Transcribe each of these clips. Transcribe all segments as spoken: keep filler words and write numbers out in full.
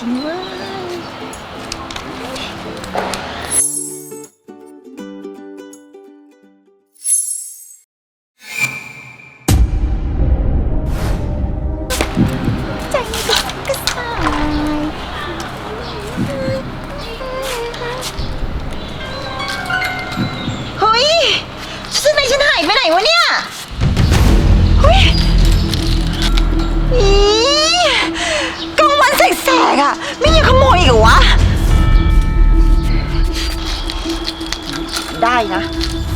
ริงเว้ยใจก็สายเฮ้ยชุดในฉันหายไปไหนวะเนี่ยเฮ้ยอีกลางวันแสกๆอ่ะไม่ยังขโมยอีกเหรอวะได้นะ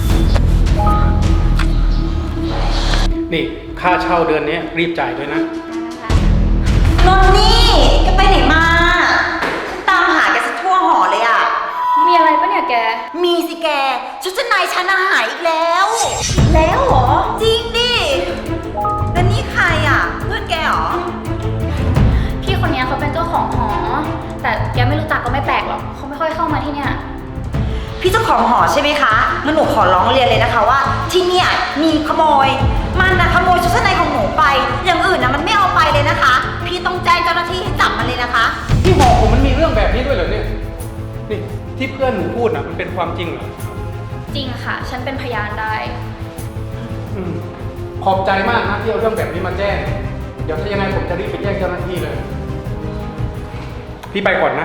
นี่ค่าเช่าเดือนนี้รีบจ่ายด้วยนะนนนี่แกไปไหนมาตามหาแกสักทั่วหอเลยอ่ะมีอะไรปะเนี่ยแกมีสิแกชุดชั้นในฉันหายอีกแล้วแล้วเหรอจริงดิแล้วนี่ใครอ่ะเพื่อนแกเหรอพี่คนนี้เขาเป็นเจ้าของหอแต่แกไม่รู้จักก็ไม่แปลกหรอกเขาไม่ค่อยเข้ามาที่เนี่ยพี่เจ้าของหอใช่ไหมคะงั้นหนูขอร้องเรียนเลยนะคะว่าที่เนี่ยมีขโมยมันนะขโมยชุดชั้นในของหนูไปอย่างอื่นนะมันไม่เอาไปเลยนะคะพี่ต้องแจ้งเจ้าหน้าที่ให้จับมันเลยนะคะที่หอผมมันมีเรื่องแบบนี้ด้วยเหรอเนี่ยนี่ที่เพื่อนหนูพูดนะมันเป็นความจริงเหรอจริงค่ะฉันเป็นพยานได้อืมขอบใจมากนะที่เอาเรื่องแบบนี้มาแจ้งเดี๋ยวถ้ายังไงผมจะรีบไปแจ้งเจ้าหน้าที่เลยพี่ไปก่อนนะ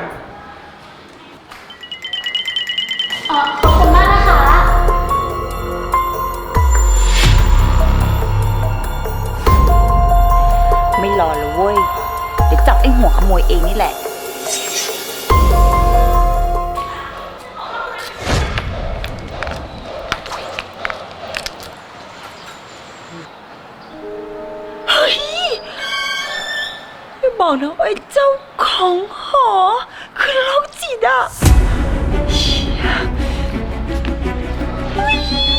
อ๋อขอบคุณมากนะคะไม่รอเลยเว้ยเดี๋ยวจับไอ้หัวขโมยเองนี่แหละเฮ้ยไม่บอกนะไอ้เจ้าของหอคือโรคจิตอ่ะเฮ้ย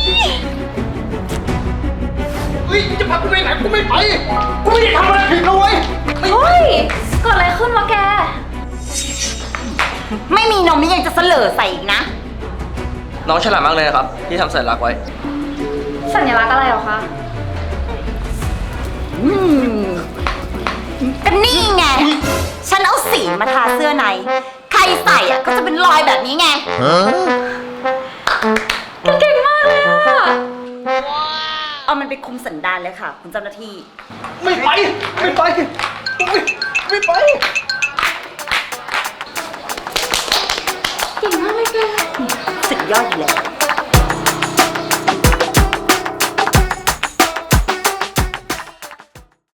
เฮ้ยจะพากูไปไหนกูไม่ไปกูไม่ได้ทำอะไรผิดนะเว้ยเฮ้ยเกิดอะไรขึ้นวะแกไม่มีนมนี่ยังจะเสลอใส่อีกนะน้องฉลาดมากเลยนะครับที่ทำสัญลักษณ์ไว้สัญลักษณ์อะไรหรอคะอืมก็นี่ไงฉันเอาสีมาทาเสื้อในใครใส่อ่ะก็จะเป็นรอยแบบนี้ไงเก่งมากเลยอ่ะเอามันไปคุมสันดานเลยค่ะคุณเจ้าหน้าที่ไม่ไปไม่ไปไม่ไปเก่งมากเลยแกสุดยอดอยู่แล้ว